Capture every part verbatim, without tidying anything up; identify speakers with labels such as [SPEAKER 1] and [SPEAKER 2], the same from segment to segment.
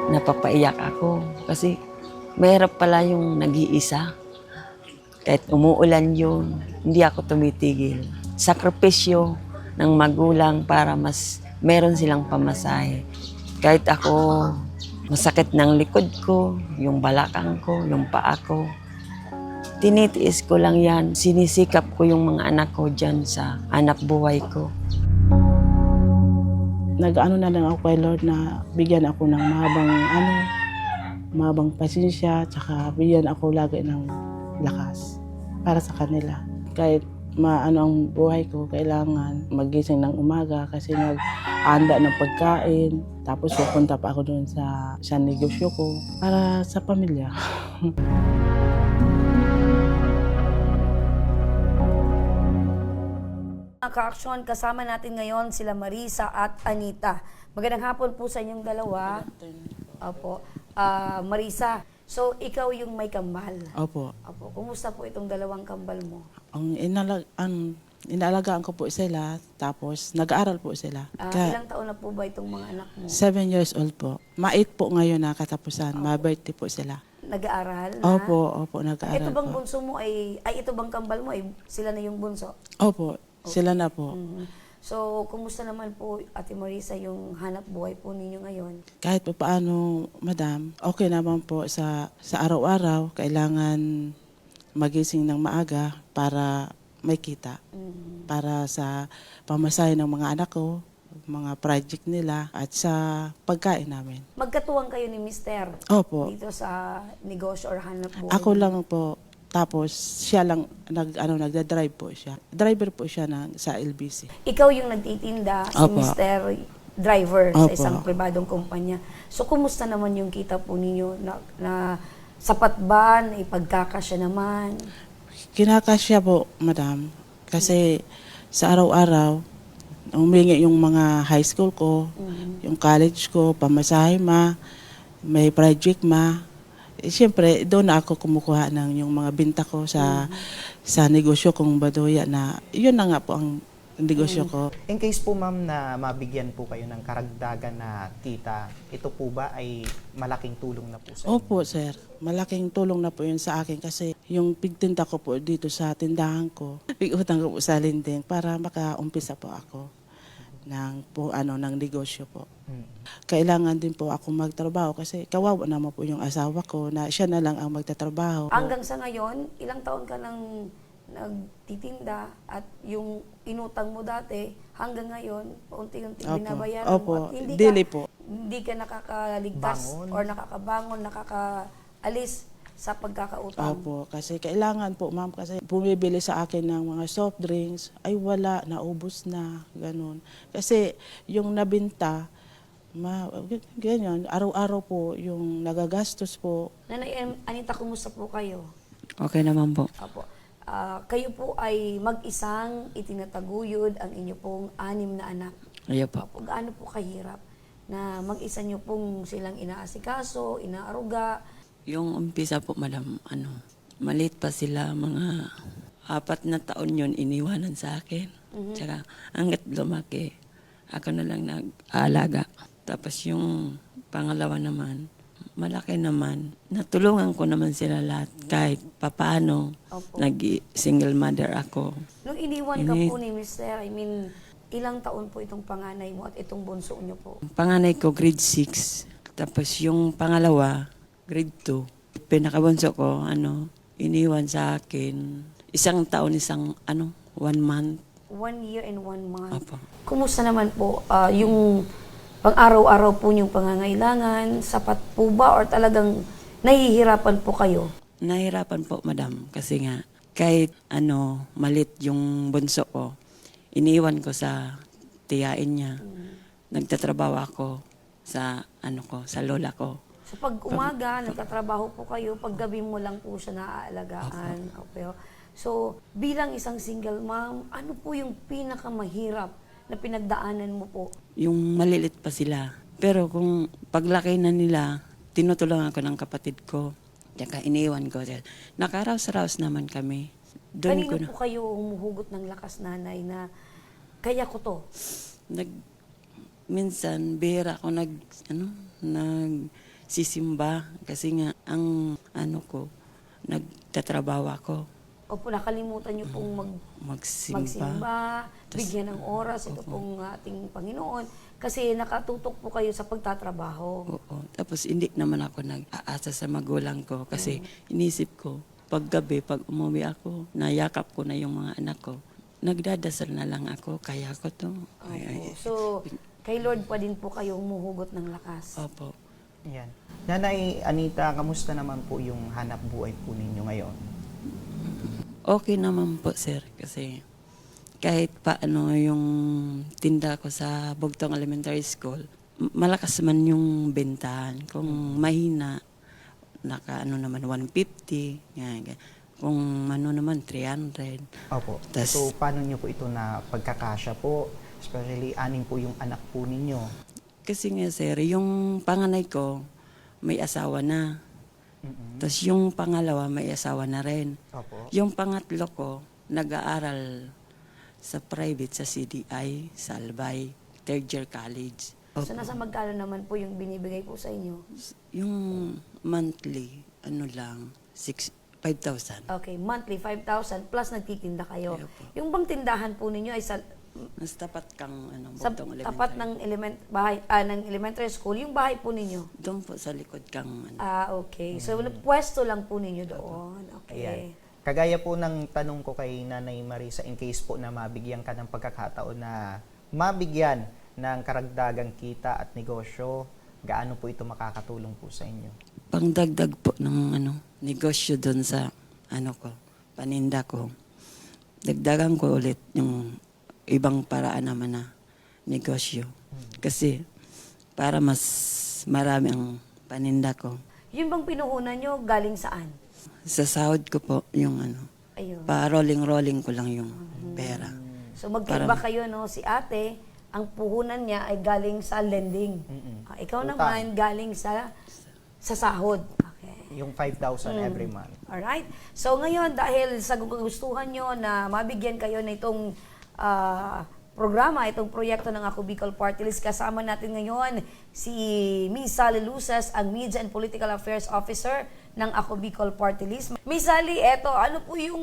[SPEAKER 1] napapaiyak ako kasi mahirap pala yung nag-iisa. Kahit umuulan yun, hindi ako tumitigil. Sakripisyo ng magulang para mas meron silang pamasahe. Kahit ako, masakit ng likod ko, yung balakang ko, yung paa ko. Tinitiis ko lang yan. Sinisikap ko yung mga anak ko dyan sa anak buhay ko.
[SPEAKER 2] Nag-ano na lang ako kay Lord na bigyan ako ng mahabang ano, mahabang pasensya, tsaka bigyan ako lagi ng lakas para sa kanila. Kahit maano ang buhay ko, kailangan magising ng umaga kasi nag-anda ng pagkain. Tapos pupunta pa ako doon sa, sa negosyo ko para sa pamilya.
[SPEAKER 3] Mga ka-aksyon, kasama natin ngayon sila Marisa at Anita. Magandang hapon po sa inyong dalawa. Opo. Ah, Marisa, so ikaw yung may kambal.
[SPEAKER 2] Opo.
[SPEAKER 3] Opo. Kumusta po itong dalawang kambal mo?
[SPEAKER 2] Ang, inalag, ang inaalagaan ko po sila, tapos nag-aaral po sila.
[SPEAKER 3] Ah,
[SPEAKER 2] Ka-
[SPEAKER 3] ilang taon na po ba itong mga anak mo?
[SPEAKER 2] Seven years old po. Mait po ngayon na katapusan. Mabait po sila.
[SPEAKER 3] Nag-aaral na?
[SPEAKER 2] Opo, opo, nag-aaral
[SPEAKER 3] Ito bang
[SPEAKER 2] po.
[SPEAKER 3] bunso mo ay, ay ito bang kambal mo ay sila na yung bunso?
[SPEAKER 2] Opo, sila na po.
[SPEAKER 3] Mhm. So, kumusta naman po, Ate Marisa, yung hanap buhay po ninyo ngayon?
[SPEAKER 2] Kahit pa paano, madam, okay naman po sa, sa araw-araw. Kailangan magising ng maaga para may kita.
[SPEAKER 3] Mhm.
[SPEAKER 2] Para sa pamasahe ng mga anak ko, mga project nila, at sa pagkain namin.
[SPEAKER 3] Magkatuwang kayo ni Mister
[SPEAKER 2] Opo,
[SPEAKER 3] dito sa negosyo or hanap buhay?
[SPEAKER 2] ako lang po. Tapos siya lang nag ano nagda-drive po siya. Driver po siya ng sa L B C.
[SPEAKER 3] Ikaw yung nagtitinda, si
[SPEAKER 2] Opo.
[SPEAKER 3] Mister Driver sa
[SPEAKER 2] Opo.
[SPEAKER 3] isang pribadong kumpanya. So, kumusta naman yung kita po ninyo na, na sapat ba, na ipagkakasya naman?
[SPEAKER 2] Kinakasya po, madam. Kasi sa araw-araw, humingi yung mga high school ko,
[SPEAKER 3] Mhm.
[SPEAKER 2] yung college ko, pamasahe ma, may project ma. Eh, Siyempre, doon na ako kumukuha ng yung mga binta ko sa sa negosyo kong Baduya na yun na nga po ang negosyo ko.
[SPEAKER 4] In case po ma'am na mabigyan po kayo ng karagdagan na kita, ito po ba ay malaking tulong na po sa inyo?
[SPEAKER 2] Opo, sir. Malaking tulong na po yun sa akin kasi yung pigtinda ko po dito sa tindahan ko, pig-utang ko po sa linding para makaumpisa po ako ng po ano ng negosyo po.
[SPEAKER 4] Mm.
[SPEAKER 2] Kailangan din po ako magtrabaho kasi kawawa naman po yung asawa ko na siya na lang ang magtatrabaho.
[SPEAKER 3] Hanggang sa ngayon, ilang taon ka nang nagtitinda at yung inutang mo dati, hanggang ngayon, paunti-unti
[SPEAKER 2] Opo.
[SPEAKER 3] binabayaran
[SPEAKER 2] Opo.
[SPEAKER 3] mo. At hindi
[SPEAKER 2] Dili
[SPEAKER 3] ka,
[SPEAKER 2] po.
[SPEAKER 3] hindi ka nakakaligtas
[SPEAKER 4] Bangon.
[SPEAKER 3] or nakakabangon, nakakaalis sa pagkakautang.
[SPEAKER 2] Opo, kasi kailangan po ma'am kasi bumibili sa akin ng mga soft drinks, ay wala, naubos na, ganun. Kasi yung nabinta, ma, ganyan, araw-araw po yung nagagastos po.
[SPEAKER 3] Nanay Em- Anita, kumusta po kayo?
[SPEAKER 1] Okay naman po.
[SPEAKER 3] Apo. Ah, kayo po ay mag-isang itinataguyod ang inyo pong anim na anak.
[SPEAKER 1] Ayaw po.
[SPEAKER 3] Apo, gaano po kahirap na mag-isa nyo pong silang inaasikaso, inaaruga?
[SPEAKER 1] Yung umpisa po, madam, ano, maliit pa sila, mga apat na taon yun, iniwanan sa akin. Tsaka, hanggat lumaki, ako na lang nag-aalaga. Tapos yung pangalawa naman, malaki naman. Natulungan ko naman sila lahat kahit papaano.
[SPEAKER 3] Opo.
[SPEAKER 1] Nag-single mother ako.
[SPEAKER 3] Nung iniwan ka
[SPEAKER 1] Ini-
[SPEAKER 3] po ni Mister, I mean, ilang taon po itong panganay mo at itong bunso nyo po?
[SPEAKER 1] Panganay ko, grade six. Tapos yung pangalawa, grade two. Pinakabunso ko, ano, iniwan sa akin. Isang taon, isang, ano, one month.
[SPEAKER 3] One year and one month.
[SPEAKER 1] Apo.
[SPEAKER 3] Kumusta naman po ah, yung pang-araw-araw po yung pangangailangan? Sapat po ba or talagang nahihirapan po kayo?
[SPEAKER 1] Nahirapan po, madam. Kasi nga, kahit ano, malit yung bunso ko, iniwan ko sa tiyain niya. Nagtatrabaho ako sa, ano ko, sa lola ko.
[SPEAKER 3] So pag umaga, nagtatrabaho po kayo, pag gabi mo lang po siya naaalagaan. Okay. So bilang isang single mom, ano po yung pinakamahirap na pinagdaanan mo po?
[SPEAKER 1] Yung malilit pa sila. Pero kung paglaki na nila, tinutulungan ko ng kapatid ko. Tsaka iniwan ko. Nakaraos-raos naman kami. Doon ko
[SPEAKER 3] Kanino
[SPEAKER 1] na,
[SPEAKER 3] po kayo humuhugot ng lakas, nanay, na kaya ko to?
[SPEAKER 1] nag, minsan, bihira ako nag, ano, nag, sisimba kasi nga ang ano ko, nagtatrabaho ako.
[SPEAKER 3] Opo, nakalimutan niyo pong mag,
[SPEAKER 1] Magsimba.
[SPEAKER 3] magsimba,
[SPEAKER 1] Tas-
[SPEAKER 3] bigyan ng oras ito pong ating Panginoon kasi nakatutok po kayo sa pagtatrabaho.
[SPEAKER 1] Oo. Tapos hindi naman ako nag-aasa sa magulang ko kasi inisip ko, pag gabi, pag umuwi ako, nayakap ko na yung mga anak ko. Nagdadasal na lang ako, kaya ko to. Ay, ay.
[SPEAKER 3] Opo. So, kay Lord pa din po kayo humuhugot ng lakas.
[SPEAKER 1] Opo.
[SPEAKER 4] Yan. Nanay Anita, kamusta naman po yung hanap buhay po ninyo ngayon?
[SPEAKER 1] Okay naman po, sir, kasi kahit paano yung tinda ko sa Bugtong Elementary School, m- malakas man yung bentahan. Kung mahina, naka ano naman, one fifty. Yan, yan. Kung ano naman, three hundred.
[SPEAKER 4] Opo.
[SPEAKER 1] Tas-
[SPEAKER 4] so, paano nyo po ito na pagkakasya po? Especially, anim po yung anak po ninyo.
[SPEAKER 1] Kasi nga, sir, yung panganay ko, may asawa na.
[SPEAKER 4] Mm-mm.
[SPEAKER 1] Tapos yung pangalawa, may asawa na rin.
[SPEAKER 4] Opo.
[SPEAKER 1] Yung pangatlo ko, nag-aaral sa private, sa C D I, sa Albay, third year college.
[SPEAKER 3] So, nasa magkano naman po yung binibigay po sa inyo?
[SPEAKER 1] Yung monthly, ano lang, six, five thousand.
[SPEAKER 3] Okay, monthly five thousand plus nagtitinda kayo.
[SPEAKER 1] Ayaw po.
[SPEAKER 3] Yung bang tindahan po ninyo ay sa,
[SPEAKER 1] Mas tapat kang, ano,
[SPEAKER 3] sa
[SPEAKER 1] Bugtong
[SPEAKER 3] tapat
[SPEAKER 1] Elementary.
[SPEAKER 3] ng element bahay ah, ng elementary school, yung bahay po ninyo?
[SPEAKER 1] Doon po sa likod kang, ano.
[SPEAKER 3] Ah, okay. So, pwesto lang po ninyo doon.
[SPEAKER 4] Ayan.
[SPEAKER 3] Okay.
[SPEAKER 4] Kagaya po ng tanong ko kay Nanay Marisa, in case po na mabigyan ka ng pagkakataon na mabigyan ng karagdagang kita at negosyo, gaano po ito makakatulong po sa inyo?
[SPEAKER 1] Pangdagdag po ng, ano, negosyo doon sa, ano ko, paninda ko. Dagdagan ko ulit yung ibang paraan naman na negosyo. Kasi para mas marami ang paninda ko.
[SPEAKER 3] Yung bang pinuhunan nyo, galing saan?
[SPEAKER 1] Sa sahod ko po, yung ano,
[SPEAKER 3] Ayun.
[SPEAKER 1] pa rolling-rolling ko lang yung pera.
[SPEAKER 3] So, magkaiba kayo, no? Si ate, ang puhunan niya ay galing sa lending.
[SPEAKER 4] Mm-mm.
[SPEAKER 3] Ah, ikaw
[SPEAKER 4] Utang.
[SPEAKER 3] naman, galing sa sa sahod. Okay.
[SPEAKER 4] Yung five thousand every month.
[SPEAKER 3] Alright. So ngayon, dahil sa gustuhan nyo na mabigyan kayo na itong ah, programa, itong proyekto ng Ako Bicol Party List, kasama natin ngayon si Miss Sally Luces, ang Media and Political Affairs Officer ng Ako Bicol Party List. Miss Sally, eto, ano po yung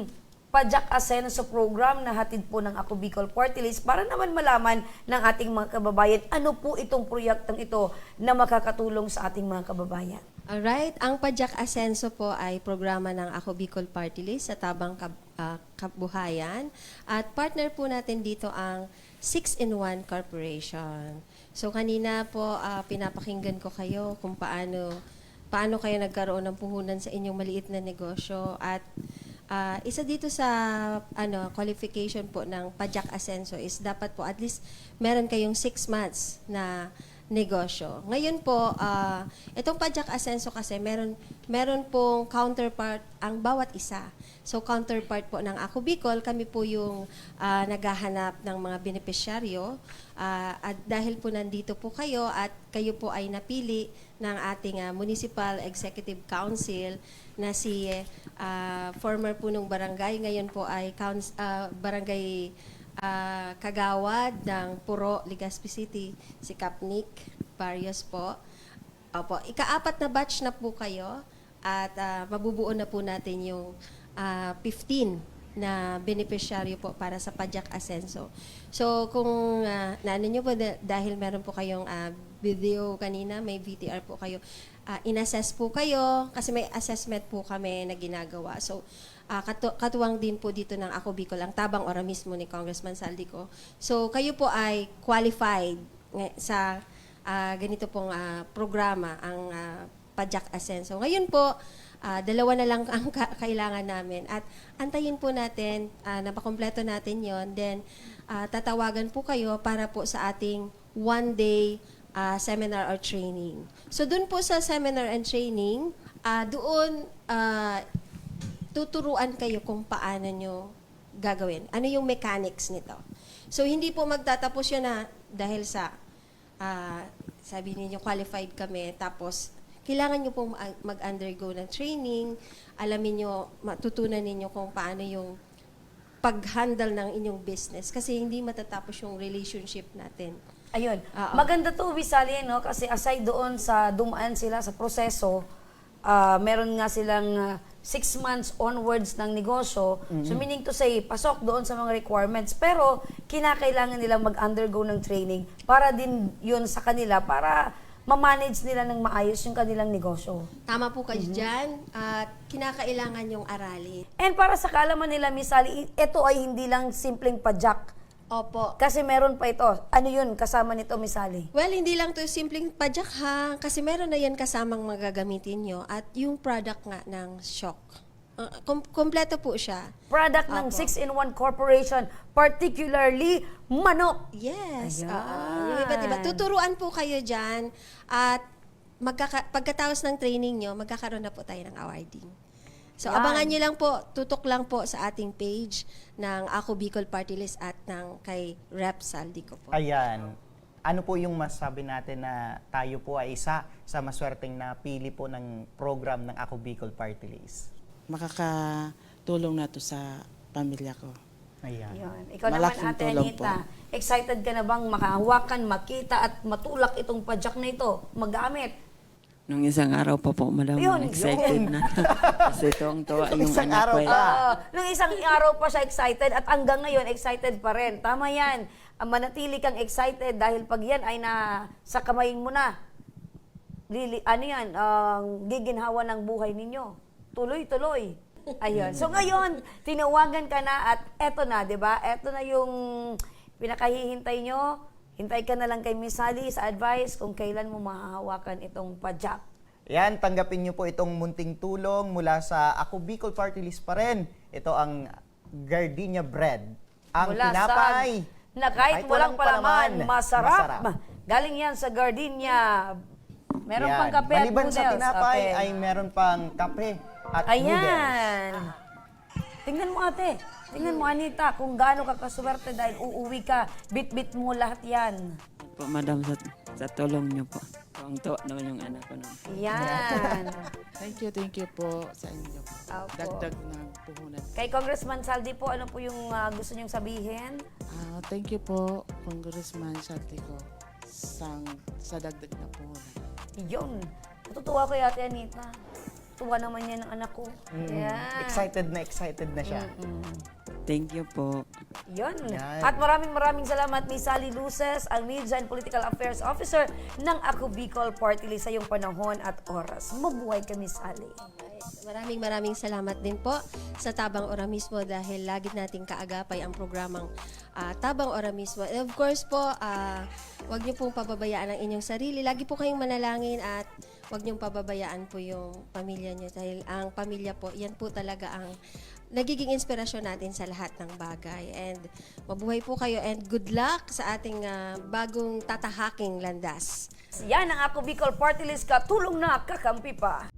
[SPEAKER 3] Pajak Asenso program na hatid po ng Ako Bicol Party List para naman malaman ng ating mga kababayan ano po itong proyektong ito na makakatulong sa ating mga kababayan.
[SPEAKER 5] Alright, ang Pajak Asenso po ay programa ng Ako Bicol Party List sa Tabang Kab- ah, Kabuhayan. At partner po natin dito ang six in one Corporation. So kanina po ah, pinapakinggan ko kayo kung paano paano kayo nagkaroon ng puhunan sa inyong maliit na negosyo at ah, isa dito sa ano qualification po ng Pajak Asenso is dapat po at least meron kayong six months na negosyo. Ngayon po, ah, itong Pajak Asenso kasi meron meron pong counterpart ang bawat isa. So counterpart po ng Ako Bicol, kami po yung ah, naghahanap ng mga benepisyaryo. Ah, at dahil po nandito po kayo at kayo po ay napili ng ating ah, Municipal Executive Council na si ah, former punong barangay, ngayon po ay couns- ah, barangay ah, Kagawad ng Puro, Legazpi City, si Kapnik Barrios po. Opo, ikaapat na batch na po kayo at ah, mabubuo na po natin yung ah, fifteen na beneficiaryo po para sa Pajak Asenso. So kung uh, naano nyo po da- dahil meron po kayong ah, video kanina, may V T R po kayo, ah, in-assess po kayo kasi may assessment po kami na ginagawa. So Ah, katu- katuwang din po dito ng Ako Bicol, ang tabang ora mismo ni Congressman Saldico. So, kayo po ay qualified ng- sa ah, ganito pong ah, programa, ang ah, Pajak Asenso. Ngayon po, ah, dalawa na lang ang ka- kailangan namin. At antayin po natin, uh, napakompleto natin yon. Then, ah, tatawagan po kayo para po sa ating one-day ah, seminar or training. So, dun po sa seminar and training, ah, doon, ah, tuturuan kayo kung paano nyo gagawin. Ano yung mechanics nito. So, hindi po magtatapos yun na dahil sa, ah, sabi ninyo, qualified kami, tapos, kailangan nyo pong mag-undergo ng training, alamin nyo, matutunan ninyo kung paano yung pag-handle ng inyong business. Kasi hindi matatapos yung relationship natin
[SPEAKER 3] Ayun.
[SPEAKER 5] Oo.
[SPEAKER 3] Maganda to, Visali, no? Kasi aside doon sa dumaan sila sa proseso, ah, meron nga silang ah, six months onwards ng negosyo. So meaning to say, pasok doon sa mga requirements. Pero kinakailangan nilang mag-undergo ng training para din yun sa kanila, para ma-manage nila ng maayos yung kanilang negosyo.
[SPEAKER 5] Tama po kayo dyan. At kinakailangan yung aralin.
[SPEAKER 3] And para sa kaalaman nila, Miss Sally, ito ay hindi lang simpleng padyak.
[SPEAKER 5] Opo.
[SPEAKER 3] Kasi meron pa ito. Ano yun kasama nito, Miss Sally?
[SPEAKER 5] Well, hindi lang to simpleng padyak ha. Kasi meron na yan kasamang magagamitin nyo. At yung product nga ng Shock. Uh, kom- kompleto po siya.
[SPEAKER 3] Product ng
[SPEAKER 5] Apo.
[SPEAKER 3] six in one Corporation, particularly manok.
[SPEAKER 5] Yes.
[SPEAKER 3] Ayan.
[SPEAKER 5] Oo. Yung iba't iba. Tuturuan po kayo dyan. At magkaka- pagkatapos ng training nyo, magkakaroon na po tayo ng awarding. So,
[SPEAKER 3] Yan.
[SPEAKER 5] abangan nyo lang po, tutok lang po sa ating page ng Ako Bicol Party List at ng kay Rep Saldico po.
[SPEAKER 4] Ayan. Ano po yung masabi natin na tayo po ay isa sa maswerteng napili po ng program ng Ako Bicol Party List?
[SPEAKER 2] Makakatulong na to sa pamilya ko.
[SPEAKER 4] Ayan.
[SPEAKER 3] Yun. Ikaw
[SPEAKER 2] Malaking
[SPEAKER 3] naman, Ate
[SPEAKER 2] tulong
[SPEAKER 3] Anita, excited ka na bang makahawakan, makita at matulak itong padyak na ito, magamit?
[SPEAKER 1] Nung isang araw pa po, madam,
[SPEAKER 3] Yun,
[SPEAKER 1] excited na. Kasi tuwang-tuwa yung
[SPEAKER 4] Isang
[SPEAKER 1] anak
[SPEAKER 4] araw
[SPEAKER 1] ko. eh.
[SPEAKER 4] pa.
[SPEAKER 3] Oo. Nung isang araw pa siya excited at hanggang ngayon excited pa rin. Tama yan. Ang manatili kang excited dahil pag yan ay na sa kamay mo na, lili, ano yan, ang giginhawa ng buhay ninyo. Tuloy-tuloy. Ayun. So ngayon, tinawagan ka na at eto na, di ba? Eto na yung pinakahihintay nyo. Hintay ka na lang kay Miss Sally sa advice kung kailan mo mahahawakan itong padyak.
[SPEAKER 4] Yan, tanggapin niyo po itong munting tulong mula sa Ako Bicol Party List pa rin. Ito ang Gardenia Bread. Ang
[SPEAKER 3] Mula sa-
[SPEAKER 4] tinapay
[SPEAKER 3] na kahit, walang palaman, masarap.
[SPEAKER 4] masarap.
[SPEAKER 3] Galing yan sa Gardenia. Meron
[SPEAKER 4] Yan.
[SPEAKER 3] pang kape at
[SPEAKER 4] Maliban
[SPEAKER 3] noodles.
[SPEAKER 4] sa tinapay,
[SPEAKER 3] Kape.
[SPEAKER 4] ay meron pang kape at noodles.
[SPEAKER 3] Ayan. Tingnan mo, ate. Tingnan mo, Anita, kung gaano ka kaswerte dahil uuwi ka. Bit-bit mo lahat yan.
[SPEAKER 1] Po, madam, sa, sa tulong niyo po. Tuwang-tuwa naman yung anak ko nun.
[SPEAKER 3] Yan.
[SPEAKER 2] Thank you, thank you po sa inyo.
[SPEAKER 3] Opo.
[SPEAKER 2] Dagdag na puhunan.
[SPEAKER 3] Kay Congressman Saldi po, ano po yung ah, gusto niyong sabihin?
[SPEAKER 2] Ah, thank you po, Congressman Santico, sang, sa dagdag na puhunan.
[SPEAKER 3] Yun. Natutuwa ko Ate Anita. Tuwa naman yan ng anak ko.
[SPEAKER 4] Mm,
[SPEAKER 3] Yan.
[SPEAKER 4] Excited na excited na siya.
[SPEAKER 1] Thank you po.
[SPEAKER 3] Yun.
[SPEAKER 4] Yan.
[SPEAKER 3] At maraming maraming salamat Miss Sally Luces, ang Media and Political Affairs Officer ng Ako Bicol Party List sa iyong panahon at oras. Mabuhay ka, Miss Sally.
[SPEAKER 5] Maraming maraming salamat din po sa Tabang Ora mismo dahil lagi nating kaagapay ang programang ah, Tabang Ora mismo. And of course po, ah, huwag niyo pong pababayaan ang inyong sarili. Lagi po kayong manalangin at huwag niyong pababayaan po yung pamilya niyo dahil ang pamilya po, yan po talaga ang nagiging inspirasyon natin sa lahat ng bagay. And mabuhay po kayo and good luck sa ating ah, bagong tatahaking landas.
[SPEAKER 3] Yan ang Ako Bicol Party List. Katulong na, kakampi pa.